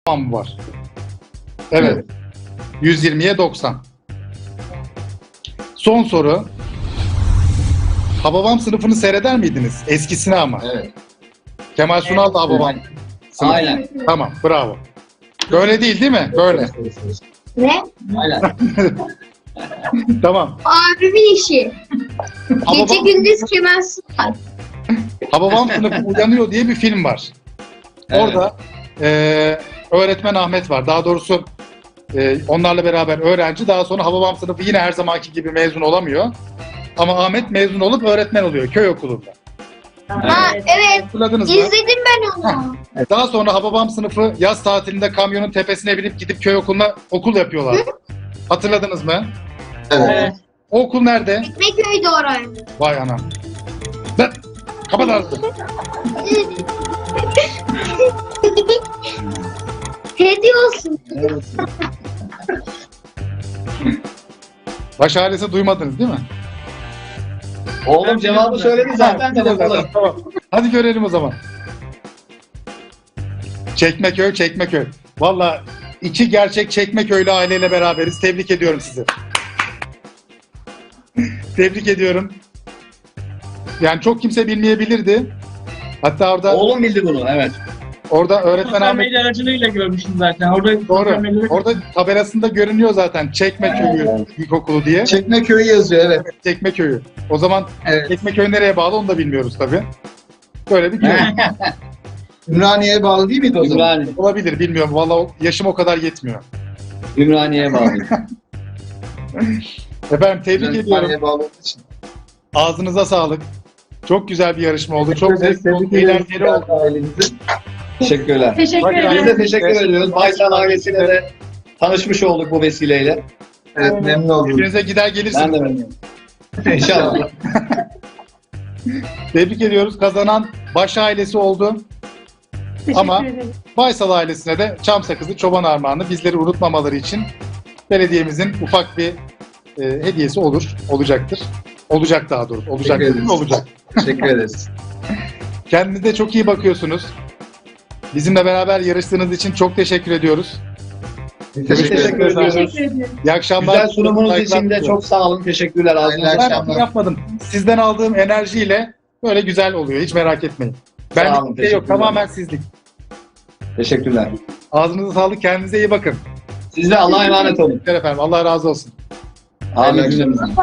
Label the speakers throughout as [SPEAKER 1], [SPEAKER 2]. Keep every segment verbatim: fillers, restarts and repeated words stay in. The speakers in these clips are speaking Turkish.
[SPEAKER 1] Tamam var. Evet. yüz yirmiye doksan. Son soru. Hababam sınıfını seyreder miydiniz? Eskisini ama.
[SPEAKER 2] Evet.
[SPEAKER 1] Kemal Sunal da Hababam sınıfı.
[SPEAKER 2] Aynen.
[SPEAKER 1] Tamam, bravo. Böyle değil değil mi? Böyle.
[SPEAKER 3] Ne?
[SPEAKER 2] Aynen.
[SPEAKER 1] Tamam.
[SPEAKER 3] Abimin işi. Gece
[SPEAKER 1] Hababam,
[SPEAKER 3] gündüz Kemal Sunal.
[SPEAKER 1] Hababam sınıfı uyanıyor diye bir film var.
[SPEAKER 2] Evet.
[SPEAKER 1] Orada eee, öğretmen Ahmet var. Daha doğrusu eee, onlarla beraber öğrenci. Daha sonra Hababam sınıfı yine her zamanki gibi mezun olamıyor. Ama Ahmet mezun olup öğretmen oluyor köy okulunda.
[SPEAKER 3] Ha evet.
[SPEAKER 1] Hatırladınız mı?
[SPEAKER 3] İzledim ben onu.
[SPEAKER 1] Daha sonra Hababam sınıfı yaz tatilinde kamyonun tepesine binip gidip köy okuluna okul yapıyorlar. Hatırladınız mı?
[SPEAKER 2] Evet.
[SPEAKER 1] O okul nerede?
[SPEAKER 3] Ekmeköy'de oraydı.
[SPEAKER 1] Vay anam. Lan, kapat artık.
[SPEAKER 3] Hediye olsun.
[SPEAKER 1] Baş ailesi duymadınız değil mi?
[SPEAKER 2] Oğlum cevabı söyledi zaten de bakalım.
[SPEAKER 1] Tamam. Hadi görelim o zaman. Çekmeköy, Çekmeköy. Valla iki gerçek Çekmeköylü aileyle beraberiz. Tebrik ediyorum sizi. Tebrik ediyorum. Yani çok kimse bilmeyebilirdi. Hatta orada
[SPEAKER 2] Oğlum bildi bunu, evet.
[SPEAKER 1] orada öğretmen
[SPEAKER 4] Sosyal
[SPEAKER 1] Ahmet
[SPEAKER 4] medya aracılığıyla görmüştüm zaten. Orada sosyal
[SPEAKER 1] doğru.
[SPEAKER 4] medyada-
[SPEAKER 1] Orada tabelasında görünüyor zaten Çekmeköy'ü İlkokulu diye.
[SPEAKER 2] Çekmeköy'ü yazıyor, evet.
[SPEAKER 1] Çekmeköy'ü. O zaman
[SPEAKER 2] Evet.
[SPEAKER 1] Çekmeköy nereye bağlı onu da bilmiyoruz tabii. Böyle bir köy.
[SPEAKER 2] Ümraniye'ye bağlı değil miydi o zaman? Ümraniye.
[SPEAKER 1] Olabilir bilmiyorum. Vallahi yaşım o kadar yetmiyor.
[SPEAKER 2] Ümraniye'ye bağlı.
[SPEAKER 1] Efendim tebrik ediyorum.
[SPEAKER 2] Ümraniye'ye bağlı olduğu için.
[SPEAKER 1] Ağzınıza sağlık. Çok güzel bir yarışma oldu. Çok zevkli oldu.
[SPEAKER 2] Tebrik ederiz
[SPEAKER 1] Eğlenceli oldu.
[SPEAKER 2] ailemizi. Teşekkürler.
[SPEAKER 4] Teşekkür
[SPEAKER 1] Bakın,
[SPEAKER 4] ederim.
[SPEAKER 2] Biz de teşekkür ediyoruz. Baysal ailesiyle de tanışmış olduk bu vesileyle. Evet, memnun oldum.
[SPEAKER 1] Hepinize gider
[SPEAKER 2] Ben
[SPEAKER 1] gelirsiniz.
[SPEAKER 2] de memnunum. İnşallah.
[SPEAKER 1] Tebrik ediyoruz. Kazanan Baş ailesi oldu.
[SPEAKER 4] Teşekkür
[SPEAKER 1] Ama-
[SPEAKER 4] ederim.
[SPEAKER 1] Baysal ailesine de çam sakızı, çoban armağanı bizleri unutmamaları için belediyemizin ufak bir e, hediyesi olur, olacaktır. Olacak daha doğrusu. Olacak
[SPEAKER 2] Teşekkür
[SPEAKER 1] değil mi?
[SPEAKER 2] ederiz.
[SPEAKER 1] Olacak.
[SPEAKER 2] Teşekkür ederiz.
[SPEAKER 1] Kendinize çok iyi bakıyorsunuz. Bizimle beraber yarıştığınız için çok teşekkür ediyoruz.
[SPEAKER 2] Teşekkür,
[SPEAKER 1] Teşekkür
[SPEAKER 2] ederiz.
[SPEAKER 1] ederim.
[SPEAKER 4] Teşekkür ederim.
[SPEAKER 1] İyi akşamlar.
[SPEAKER 2] Güzel sunumunuz
[SPEAKER 1] Saygılar
[SPEAKER 2] için de
[SPEAKER 1] diliyorum.
[SPEAKER 2] çok sağ olun. Teşekkürler. Ağzınıza
[SPEAKER 1] Ben
[SPEAKER 2] sağlık.
[SPEAKER 1] yapmadım. Sizden aldığım enerjiyle böyle güzel oluyor. Hiç merak etmeyin. Ben
[SPEAKER 2] Sağ olun,
[SPEAKER 1] bir şey yok.
[SPEAKER 2] teşekkürler.
[SPEAKER 1] Tamamen sizlik.
[SPEAKER 2] Teşekkürler.
[SPEAKER 1] Ağzınıza sağlık. Kendinize iyi bakın.
[SPEAKER 2] Siz de Allah'a emanet olun.
[SPEAKER 1] Teşekkür efendim. Allah razı olsun.
[SPEAKER 2] Amin cümlemizden.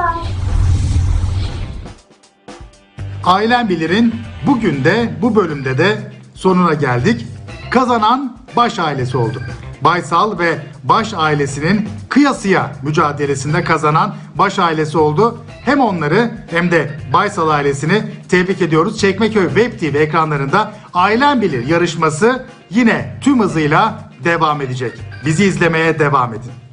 [SPEAKER 1] Ailem Bilir'in bugün de bu bölümde de sonuna geldik. Kazanan Baş ailesi oldu. Baysal ve Baş ailesinin kıyasıya mücadelesinde kazanan Baş ailesi oldu. Hem onları hem de Baysal ailesini tebrik ediyoruz. Çekmeköy Web T V ekranlarında Ailem Bilir yarışması yine tüm hızıyla devam edecek. Bizi izlemeye devam edin.